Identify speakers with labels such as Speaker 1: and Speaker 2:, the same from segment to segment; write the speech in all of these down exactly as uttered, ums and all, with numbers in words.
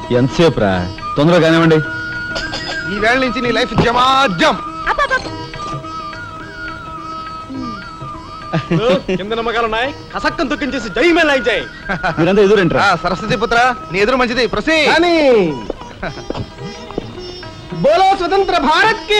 Speaker 1: ఎంతసేపు రా, తొందరగా కానివ్వండి.
Speaker 2: ఈ వేళ నుంచి నీ లైఫ్ జమాజం.
Speaker 3: కింద నమ్మకాలు ఉన్నాయి, కసక్కం తొక్కించేసి జై మే లైక్ జై.
Speaker 1: మీరంతా ఎదురేంట్రా?
Speaker 2: సరస్వతి పుత్ర, నీ ఎదురు మంచిది. ప్రసీ
Speaker 3: బోలో స్వతంత్ర భారత్ కి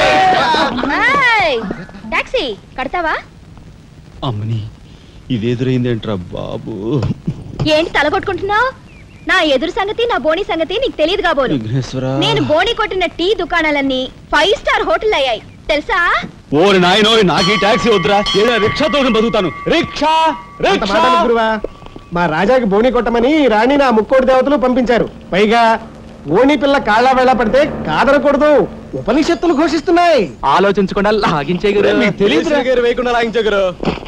Speaker 4: టాక్సీ కడతావా?
Speaker 1: అమ్మని, ఇది ఎదురైందేంట్రా బాబు?
Speaker 4: ఏంటి తలగొట్టుకుంటున్నావు? నా ఎదురు సంగతి, నా బోని సంగతి నీకు తెలియదు కాబోలు. నేను బోని కొట్టిన టీ దుకాణాలన్నీ ఫైవ్ స్టార్ హోటల్ అయ్యాయి తెలుసా?
Speaker 1: ఓరి నాయనో, నాకు ఈ టాక్సీ వద్దురా, ఏదో రిక్షాతో బతుకుతాను. రిక్షా
Speaker 3: గురువా, మా రాజాకి బోని కొట్టమని రాణి నా ముక్కోటి దేవతలు పంపించారు. పైగా ఓణి పిల్ల కాళ్ళ వేళ పడితే కాదనకూడదు, ఉపనిషత్తులు ఘోషిస్తున్నాయి.
Speaker 1: ఆలోచించకుండా లాగించే
Speaker 3: తెలియదు వేయకుండా లాగించగరు.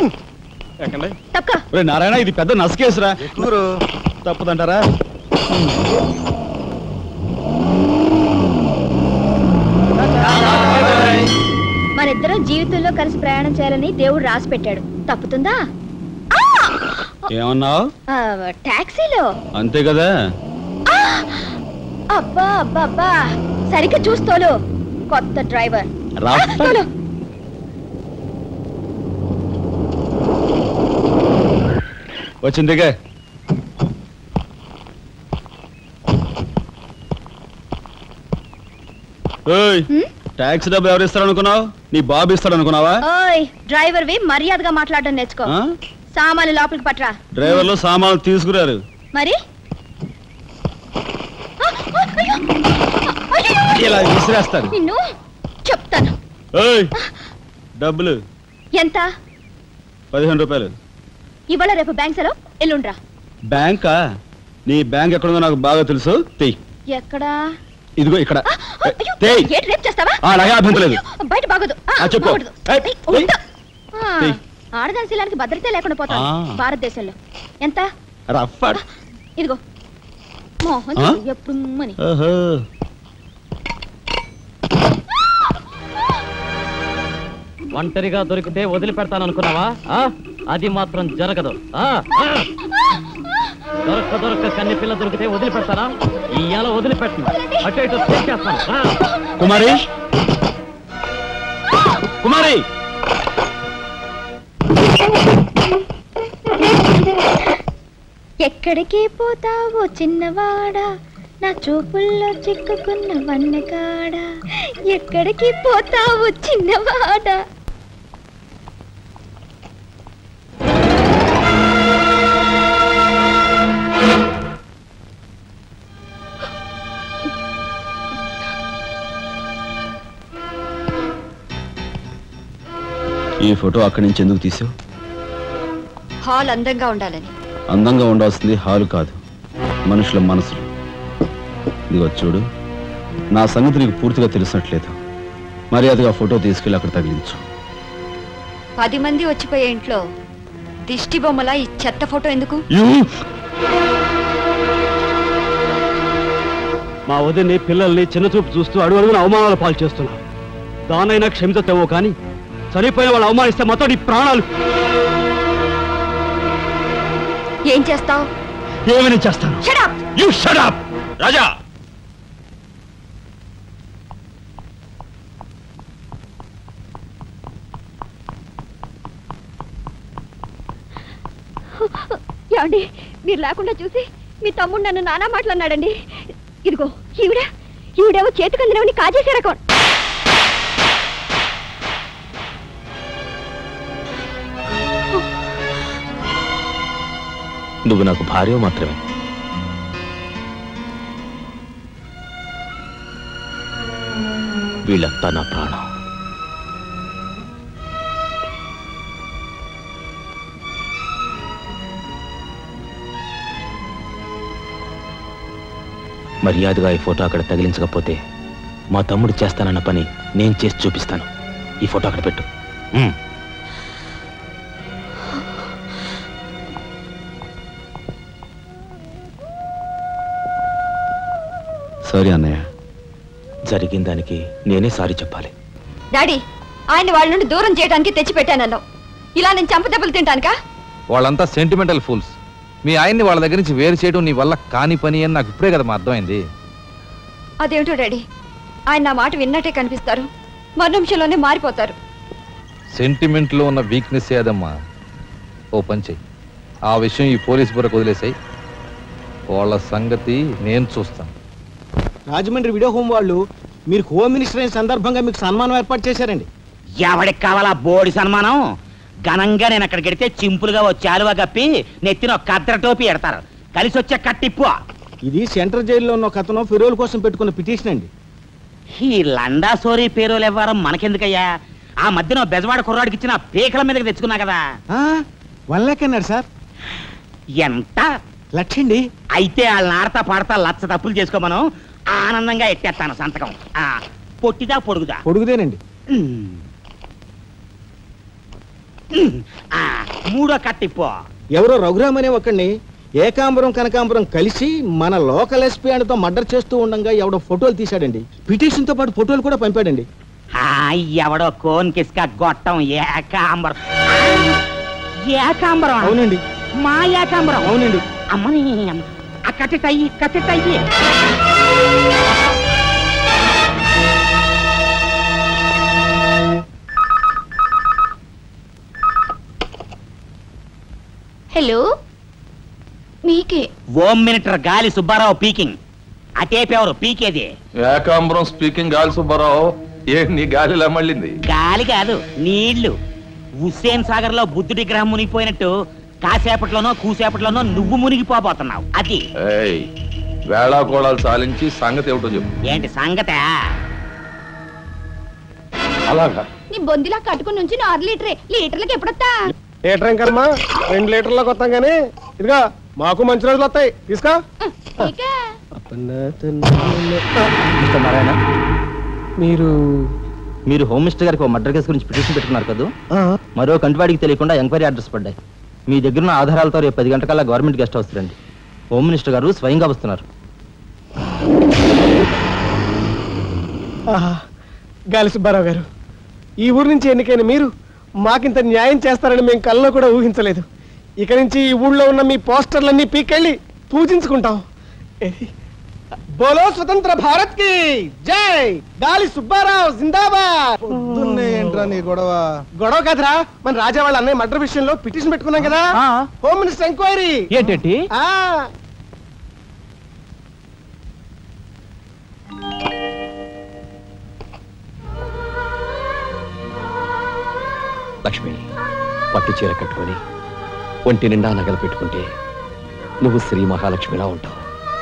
Speaker 1: నారాయణ, ఇది పెద్ద నసకేసురా. తప్పదంటారా?
Speaker 4: మనిద్దరం జీవితంలో కలిసి ప్రయాణం చేయాలని దేవుడు రాసి పెట్టాడు. తప్పుతుందా?
Speaker 1: ఏమన్నావు?
Speaker 4: టాక్సీలో
Speaker 1: అంతే కదా.
Speaker 4: అబ్బా అబ్బా అబ్బా, సరిగ్గా చూస్తోలు. కొత్త డ్రైవర్
Speaker 1: వచ్చిందిగా. టాక్సీ డబ్బు ఎవరు ఇస్తారు అనుకున్నావు? నీ బాబు ఇస్తాడు అనుకున్నావా?
Speaker 4: ఓయ్ డ్రైవర్ వి మర్యాదగా మాట్లాడడం నేర్చుకో. సామాన్లు లోపలికి పట్రా.
Speaker 1: డ్రైవర్లు సామాన్లు తీసుకురారు
Speaker 4: మరి
Speaker 1: ఇలా విసిరేస్తారు.
Speaker 4: నిన్ను చెప్తాను.
Speaker 1: డబ్బులు
Speaker 4: ఎంత?
Speaker 1: పదిహేను రూపాయలు.
Speaker 4: ఇవాళ రేపు బ్యాంక్ సెలవు, ఎల్లుండ్రా.
Speaker 1: బ్యాంకా? నీ బ్యాంక్ ఎక్కడుందో నాకు బాగా తెలుసు. తెయ్.
Speaker 4: ఎక్కడా?
Speaker 1: ఇదిగో ఇక్కడ.
Speaker 4: బయట బాగోదు.
Speaker 1: చెప్పు.
Speaker 4: ఆడదాని శీలానికి భద్రత లేకుండా పోతా భారతదేశంలో. ఎంత? ఇదిగో మోహన్ ఎప్పుడు మని.
Speaker 5: ఒంటరిగా దొరికితే వదిలిపెడతాను అనుకున్నావా? అది మాత్రం జరగదు. దొరక్క దొరక్క కన్ని పిల్ల దొరికితే వదిలిపెడతానా? ఇవాళ వదిలిపెట్టను. అటు ఇటు చేస్తాను.
Speaker 1: కుమారి, కుమారి,
Speaker 4: ఎక్కడికి పోతావో చిన్నవాడా, నా చూపుల్లో చిక్కుకున్న వన్నకాడా. ఎక్కడికి పోతావో చిన్నవాడా.
Speaker 1: ఈ ఫోటో అక్కడి నుంచి ఎందుకు తీసావు?
Speaker 4: హాల్ అందంగా ఉండాలని.
Speaker 1: అందంగా ఉండాల్సింది హాలు కాదు, మనుషుల మనసులు. ఇదిగో చూడు, నా సంగతి నీకు పూర్తిగా తెలిసినట్లేదు. మర్యాదగా ఫోటో తీసుకెళ్ళి అక్కడ తగిలించు.
Speaker 4: పది మంది వచ్చిపోయే ఇంట్లో దిష్టి బొమ్మల ఈ చెత్త ఫోటో ఎందుకు?
Speaker 5: మా వదిని పిల్లల్ని చిన్న చూపు చూస్తూ అడుగు అడుగున అవమానాలు పాలు చేస్తున్నా. దానైనా క్షమితేవో కానీ చనిపోయిన వాళ్ళు అవమానిస్తే మొత్తం నీ ప్రాణాలు.
Speaker 4: ఏం చేస్తావు?
Speaker 1: ఏమని చేస్తాను? You shut up Raja.
Speaker 4: ఏమండి, మీరు లేకుండా చూసి మీ తమ్ముడు నన్ను నానా మాట్లాడినాడండి. ఇదిగో ఈవిడ ఈవిడేవో చేతికందినవని కాజేసే రకం.
Speaker 6: నువ్వు నాకు భార్య మాత్రమే. వీళ్ళంతా నా ప్రాణం. మర్యాదగా ఈ ఫోటో అక్కడ తగిలించకపోతే మా తమ్ముడు చేస్తానన్న పని నేను చేసి చూపిస్తాను. ఈ ఫోటో అక్కడ పెట్టు.
Speaker 1: సారీ అన్నయ్య.
Speaker 6: జరిగిన దానికి నేనే సారీ చెప్పాలి.
Speaker 4: డాడీ, ఆయన వాళ్ళ నుండి దూరం చేయడానికి తెచ్చిపెట్టానన్నావు. ఇలా నేను చంపదెబ్బలు తింటానుకా?
Speaker 2: వాళ్ళంతా సెంటిమెంటల్ ఫూల్స్.
Speaker 7: మీ ఆయన్ని వాళ్ళ దగ్గర నుంచి వేరు చేయడం నీ వల్ల కాని పని అని నాకు ఇప్పుడే కదా మా అర్థమైంది.
Speaker 4: అదేమిటో డాడీ, ఆయన నా మాట విన్నట్టే కనిపిస్తారు, మరు నిమిషంలోనే మారిపోతారు.
Speaker 7: సెంటిమెంట్లో ఉన్న వీక్నెస్ ఏదమ్మా. ఓ పని చెయ్యి, ఆ విషయం ఈ పోలీస్ బుర్రకు వదిలేసాయి. వాళ్ళ సంగతి నేను చూస్తాను.
Speaker 3: రాజమండ్రి వీడియో హోమ్ వాళ్ళు మీరు హోమ్ మినిస్టర్ అయిన సందర్భంగా మీకు సన్మానం ఏర్పాటు చేశారండి.
Speaker 8: ఎవడికి కావాలా బోడి సన్మానం? ఘనంగా నేను అక్కడికి వెడితే చింపులుగా వచ్చి ఆలువ కప్పి నెత్తిన ఒక కద్దర టోపీ ఎడతారు. కలిసి వచ్చే కట్టిప్పు.
Speaker 3: ఇది సెంట్రల్ జైల్లో ఉన్న ఒక అతను ఫిరోల్ కోసం పెట్టుకున్న పిటిషన్ అండి.
Speaker 8: ఈ లండా సోరీ పేరోలు ఇవ్వడం మనకెందుకయ్యా? ఆ మధ్యన బెజవాడ కుర్రాడికి ఇచ్చిన పీకల మీదకి తెచ్చుకున్నా కదా.
Speaker 3: వన్ లాక్ అన్నాడు సార్.
Speaker 8: ఎంత
Speaker 3: లక్షండి.
Speaker 8: అయితే వాళ్ళని ఆడతా పాడతా లచ్చ తప్పులు చేసుకోమను, ఆనందంగా ఎట్టేస్తాను సంతకం. ఆ పొట్టిదా పొడుగుదా?
Speaker 3: పొడుగుదేనండి.
Speaker 8: ఉమ్. ఉమ్. ఆ, మూడో కట్టిప్పు.
Speaker 3: ఎవరో రఘురామ్ అనే ఒకడిని ఏకాంబరం కనకాంబరం కలిసి మన లోకల్ ఎస్పీ ఆయనతో మర్డర్ చేస్తూ ఉండగా ఎవడో ఫోటోలు తీశాడండి. పిటిషన్ తో పాటు ఫోటోలు కూడా పంపాడండి.
Speaker 8: ఆ, ఎవడో కోన్ కిస్క గొట్టం ఏకాంబరం. ఏకాంబరం
Speaker 3: అవునండి.
Speaker 8: మా ఏకాంబరం.
Speaker 3: అవునండి.
Speaker 8: అమ్మని అమ్మ. ఆ కట్టెటయ్యి కట్టెటయ్యి.
Speaker 4: హలో, మీకే
Speaker 8: home minister Gali Subbarao speaking. అటేపెవరు పీకేది?
Speaker 9: ఏకాంబరం స్పీకింగ్ గాలి సుబ్బారావు. ఏ నీ గాలిలా మళ్ళింది?
Speaker 8: గాలి కాదు, నీళ్లు. హుస్సేన్ సాగర్ లో బుద్ధుడి గ్రహం మునిగిపోయినట్టు కాసేపట్లోనో కూసేపట్లోనో నువ్వు మునిగిపోబోతున్నావు. అది
Speaker 9: ఏయ్, వేళాకోళాలు సాలించి సంగతి ఏమిటో చెప్పు.
Speaker 8: ఏంటి సంగతే?
Speaker 9: అలాగా?
Speaker 4: నీ బొందిలా కట్టుకుని నుంచి ఆరు లీటరే, లీటర్లకి ఎప్పుడొస్తా?
Speaker 3: లీటర్ ఇంకమ్మా, రెండు లీటర్లకు వస్తాం కానీ ఇదిగా మాకు మంచి రోజులు వస్తాయి. తీసుకో. మీరు
Speaker 6: మీరు హోమ్ మినిస్టర్ గారికి మర్డర్ కేసు గురించి పిటిషన్ పెట్టుకున్నారు కదా. మరో కంటివాడికి తెలియకుండా ఎంక్వైరీ అడ్రస్ పడ్డాయి. మీ దగ్గర ఉన్న ఆధారాలతో రేపు పది గంటకల్లా గవర్నమెంట్ గెస్ట్ హౌస్ రండి. హోమ్ మినిస్టర్ గారు స్వయంగా వస్తున్నారు.
Speaker 3: గాలి సుబ్బారావు గారు, ఈ ఊరు నుంచి ఎన్నికైన మీరు మాకింత న్యాయం చేస్తారని మేము కల్లో కూడా ఊహించలేదు. ఇక నుంచి ఈ ఊళ్ళో ఉన్న మీ పోస్టర్లన్నీ పీకెళ్ళి పూజించుకుంటాం. బోలో స్వతంత్ర భారత్ కి జై. గాలి సుబ్బారావు జిందాబాద్.
Speaker 2: ఏంట్రా నీ గొడవ?
Speaker 3: గొడవ కదరా, మన రాజా వాళ్ళ అన్నయ్య మర్డర్ విషయంలో పిటిషన్ పెట్టుకున్నాం కదా. Home minister enquiry.
Speaker 5: ఏంటంటే
Speaker 3: ఆ
Speaker 6: లక్ష్మి, పట్టు చీర కట్టుకొని ఒంటి నిండా నగలు పెట్టుకుంటే నువ్వు శ్రీ మహాలక్ష్మిలా ఉంటావు.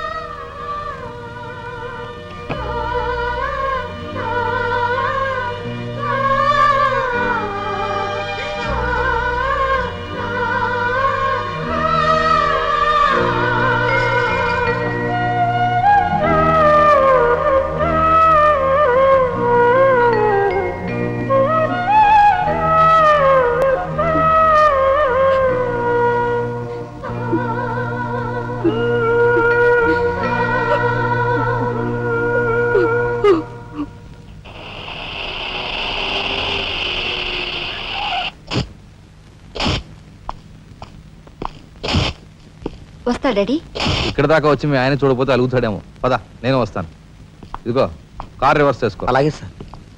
Speaker 4: వస్తా డాడీ.
Speaker 7: ఇక్కడ దాకా వచ్చి మీ ఆయన చూడకపోతే అలుగుతాడేమో. పద, నేను వస్తాను. ఇదిగో కార్ రివర్స్ చేసుకో.
Speaker 6: అలాగే సార్.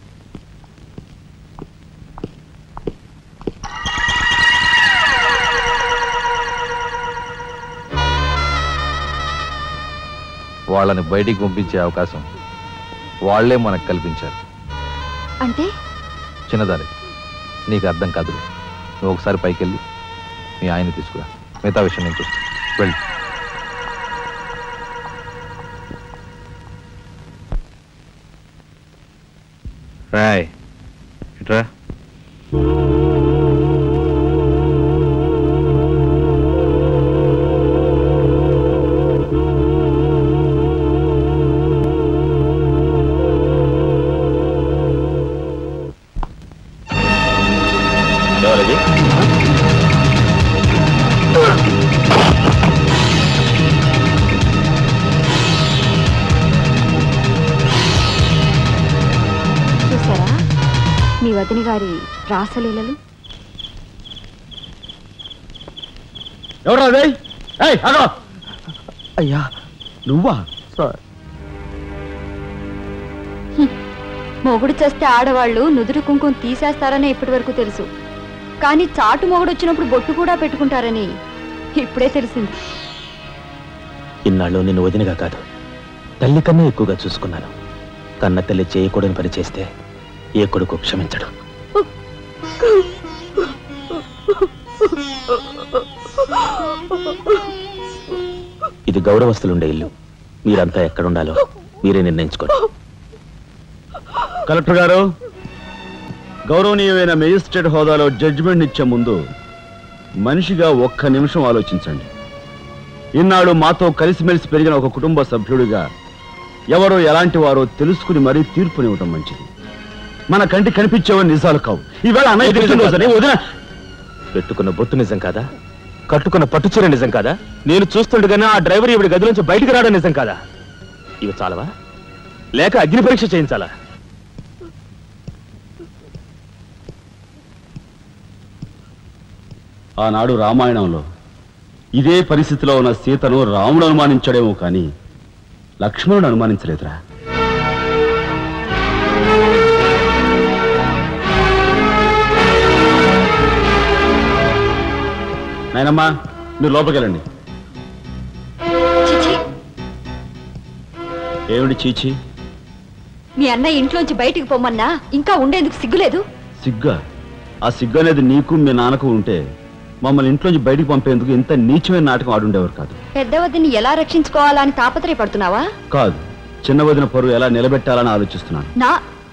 Speaker 7: వాళ్ళని బయటికి పంపించే అవకాశం వాళ్లే మనకు కల్పించారు.
Speaker 4: అంటే
Speaker 7: చిన్నదారి, నీకు అర్థం కాదు. నువ్వు ఒకసారి పైకి వెళ్ళి మీ ఆయన తీసుకురా. మిగతా విషయం నేను చూస్తాను. వెళ్ళి రాయ్ ఇట్రా.
Speaker 6: ఎవరది?
Speaker 4: చూసారా మీ వదిన గారి రాసలీలలు?
Speaker 3: ఎవరు అదే?
Speaker 1: ఏయ్, ఆగు!
Speaker 6: అయ్యా
Speaker 1: నువ్వా
Speaker 6: సార్
Speaker 4: మొగుడు చేస్తే ఆడవాళ్ళు నుదురు కుంకుమ తీసేస్తారని ఇప్పటి వరకు తెలుసు, కానీ చాటు మొగుడు వచ్చినప్పుడు బొట్టు కూడా పెట్టుకుంటారని ఇప్పుడే తెలిసింది.
Speaker 6: ఇన్నాళ్ళు నిన్ను వదినగా కాదు తల్లి కన్నా ఎక్కువగా చూసుకున్నాను. కన్న తల్లి చేయకూడని పని చేస్తే ఏ కొడుకు క్షమించడు. ఇది గౌరవస్తులుండే ఇల్లు. మీరంతా ఎక్కడుండాలో మీరే నిర్ణయించుకోండి.
Speaker 1: కలెక్టర్ గారు, గౌరవనీయమైన మేజిస్ట్రేట్ హోదాలో జడ్జిమెంట్ ఇచ్చే ముందు మనిషిగా ఒక్క నిమిషం ఆలోచించండి. ఇన్నాళ్ళు మాతో కలిసిమెలిసి పెరిగిన ఒక కుటుంబ సభ్యుడిగా ఎవరో ఎలాంటి వారో తెలుసుకుని మరీ తీర్పునివ్వటం మంచిది. మన కంటి కనిపించేవని నిజాలు కావు. ఈవేళ అన్నయ్య పుట్టినరోజని వదిన
Speaker 6: పెట్టుకున్న బొట్టు నిజం కాదా? కట్టుకున్న పట్టుచీర నిజం కాదా? నేను చూస్తుండగానే ఆ డ్రైవర్ ఇవిడి గది నుంచి బయటికి రావడం నిజం కాదా? ఇవి చాలవా లేక అగ్ని పరీక్ష చేయించాలా?
Speaker 1: ఆనాడు రామాయణంలో ఇదే పరిస్థితిలో ఉన్న సీతను రాముడు అనుమానించాడేమో కానీ లక్ష్మణుడు అనుమానించలేదురా. నాయనమ్మా, మీరు లోపలికి వెళ్ళండి.
Speaker 4: చిచి,
Speaker 1: ఏమిటి చీచి?
Speaker 4: మీ అన్నయ్య ఇంట్లోంచి బయటికి పొమ్మన్నా ఇంకా ఉండేందుకు సిగ్గులేదు?
Speaker 1: సిగ్గా? ఆ సిగ్గు అనేది నీకు మీ నాన్నకు ఉంటే మమ్మల్ని ఇంట్లోంచి బయటికి పంపేందుకు ఇంత నీచమైన నాటకం ఆడుండేవారు కాదు.
Speaker 4: పెద్ద వదిని ఎలా రక్షించుకోవాలా అని తాపత్రయపడుతున్నావా?
Speaker 1: కాదు, చిన్న వదిన పరువు ఎలా నిలబెట్టాలని ఆలోచిస్తున్నాను.
Speaker 4: నా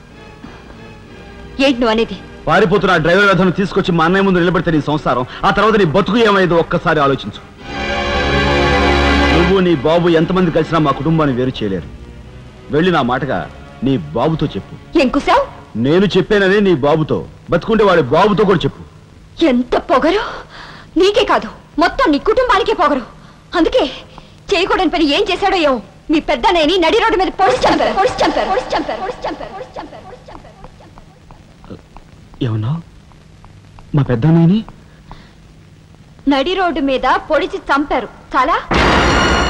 Speaker 4: ఏంటి నువ్వు అనేది?
Speaker 1: పారిపోతున్న ఆ డ్రైవర్ వ్యధను తీసుకొచ్చి మా అన్నయ్య ముందు నిలబెడితే నీ సంసారం, ఆ తర్వాత నీ బతుకు ఏమైందో ఒక్కసారి ఆలోచించు. నువ్వు నీ బాబు ఎంతమంది కలిసినా మా కుటుంబాన్ని వేరు చేయలేరు. వెళ్ళి నా మాటగా నీ బాబుతో చెప్పు.
Speaker 4: ఏం కుసావ్?
Speaker 1: నేను చెప్పానని నీ బాబుతో, బతుకుంటే వాడి బాబుతో కూడా చెప్పు.
Speaker 4: ఎంత పొగరు! నీకే కాదు మొత్తం నీ కుటుంబానికే పొగరు. అందుకే చేయకూడని పని ఏం చేశాడో ఏమో మీ పెద్దనేని నడి రోడ్డు మీద పొడిచి చంపారు పొడిచి చంపారు పొడిచి చంపారు పొడిచి చంపారు పొడిచి చంపారు పొడిచి చంపారు పొడిచి చంపారు.
Speaker 1: ఏమన్నా మా పెద్దనేని
Speaker 4: నడి రోడ్డు మీద పొడిచి చంపారు. చాలా